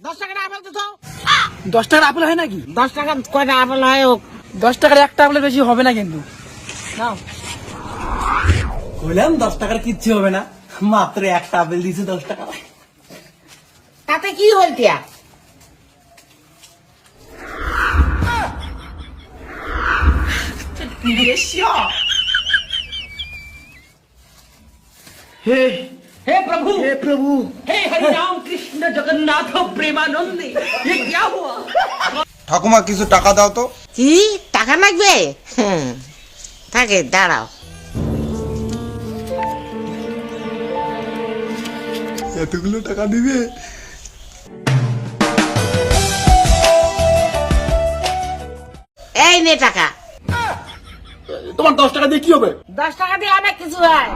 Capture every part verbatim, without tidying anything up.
দশ টাকার আপেল তো দাও। দশ টাকার আপেল হয় নাকি? দশ টাকা কয়টা আপেল হয়? হোক দশ টাকার একটা আপেলের বেশি হবে না কিন্তু। নাও। বললাম দশ টাকার কিচ্ছু হবে না, মাত্র একটা আপেল দিয়েছে দশ টাকা। তাতে কি হইতিয়া? হে हे प्रभु, হে প্রভু, हे हरि राम कृष्ण जगन्नाथ प्रेमानंद, ये क्या हुआ? ঠাকুমা কিছু টাকা দাও তো। কি টাকা লাগবে? হুম, থাকে দাঁড়াও। এতগুলো টাকা দিবে? এই নে টাকা। তোমার দশ টাকা দিয়ে কি হবে? দশ টাকা দিয়ে অনেক কিছু হয়।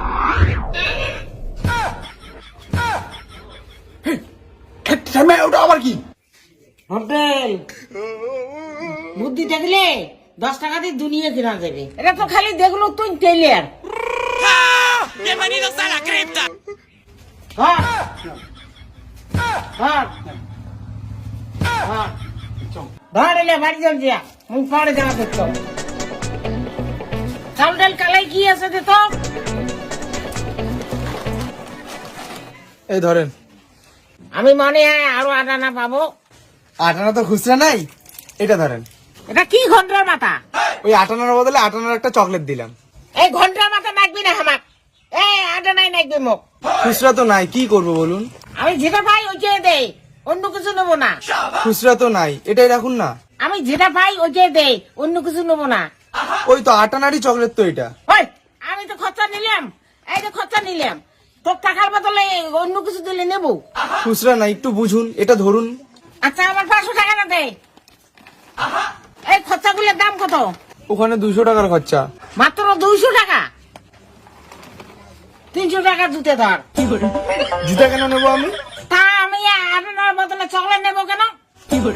ওটা আবার কি? হোটেল বুদ্ধি দেখলে দশ টাকা দিয়ে দুনিয়া কিনা যাবে। এটা তো খালি দেখলো তুই টেলিয়ার। Bienvenidos a la cripta. ধর ধর ধর ধর এলে বাড়ি যাও যা, মুখ পরে যাওয়া দেখতো। চাল ডাল কালাই কি আছে দে তো। এই ধরেন। আমি মনে হয় আরো আটানা পাবো। আটানা তো খুচরা নাই, এটা ধরেন। এটা কি ঘন্টার মাথা? ওই আটানার বদলে আটানার একটা চকলেট দিলাম। এই ঘন্টার মাথা নাকবি না হামাক। এই আটানাই নাকবি মুখ। খুচরা তো নাই, কি করবো বলুন? আমি যেটা পাই ওইটাই দেই, অন্য কিছু নেবো না। খুচরা তো নাই, এটাই রাখুন না। আমি যেটা পাই ওইটাই দেই, অন্য কিছু নেবো না। ওই তো আটানারই চকলেট তো এটা। ওই আমি তো খরচা নিলাম, এই যে খরচা নিলাম, তোর টাকার বদলে অন্য কিছু দিলে নেবো। খুচরা নাই, একটু বুঝুন, এটা ধরুন। আচ্ছা আমার পাঁচশো টাকা না দে। এই খরচাগুলোর দাম কত? ওখানে দুশো টাকার খরচা। মাত্র দুইশো টাকা? তিনশো টাকা জুতে ধর। জুতা কেন নেবো আমি? তা আমি আপনার বদলে চকলেট নেবো কেন? ধর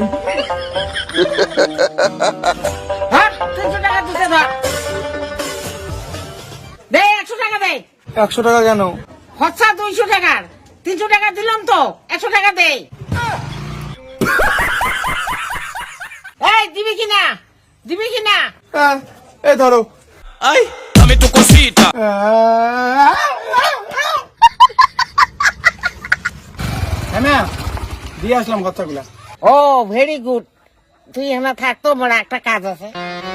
তিনশো টাকা জুতে ধর। দে একশো টাকা দে। একশো টাকা কেন? খরচা দুইশো টাকার, তিনশো টাকা দিলাম তো, একশো টাকা দে। এই দিবি কিনা, দিবি কিনা? হ্যাঁ, এই ধরো। Ay, dame tu cosita. হ্যাঁ না, দিয়ে আসলাম খরচাগুলা। ও ভেরি গুড। তুই এখানে থাকতো, বড় একটা কাজ আছে।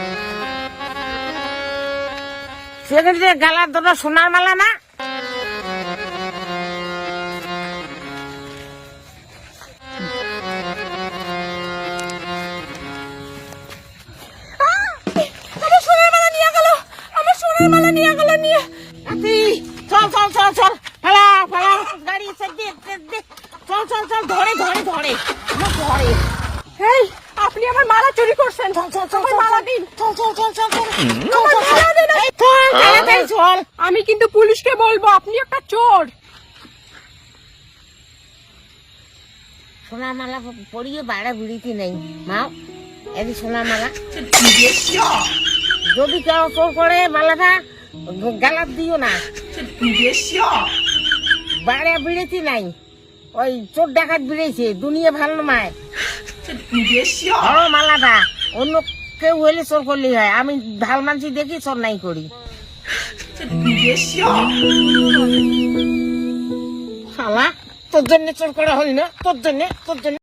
সেখানে গালার দুটো সোনার মালা না? আমার সোনার মালা নিয়ে গেল, আমার সোনার মালা নিয়ে গেল নিয়ে। চল চল চল চল, পালা পালা, গাড়ি সেট দে সেট দে। চল চল চল, ধরে ধরে ধরে আমার ধরে। এই আপনি আমার মালা চুরি করছেন। চল চল চল, আমার মালা দিন। চল চল চল চল চল, আমার মালা দিন। এই চল তাড়াতাড়ি চল। আমি কিন্তু পুলিশকে বলবো আপনি একটা চোর। সোনার মালা পরিয়ে বাড়া বিড়িতে নেই মাও, এই সোনার মালা। যদি কেউ চোর করে মালাটা গালাত দিও না। বাড়া বিড়িতে নাই, ওই চোর ডাকাত বিড়েছে, দুনিয়া ভালো নয়। ধরো মালাটা, অন্য কেউ হইলে চোর করলেই হয়, আমি ভাল মানছি দেখি চোর নাই করি। শালা তোর জন্য চোর করা হল না, তোর জন্য তোর জন্য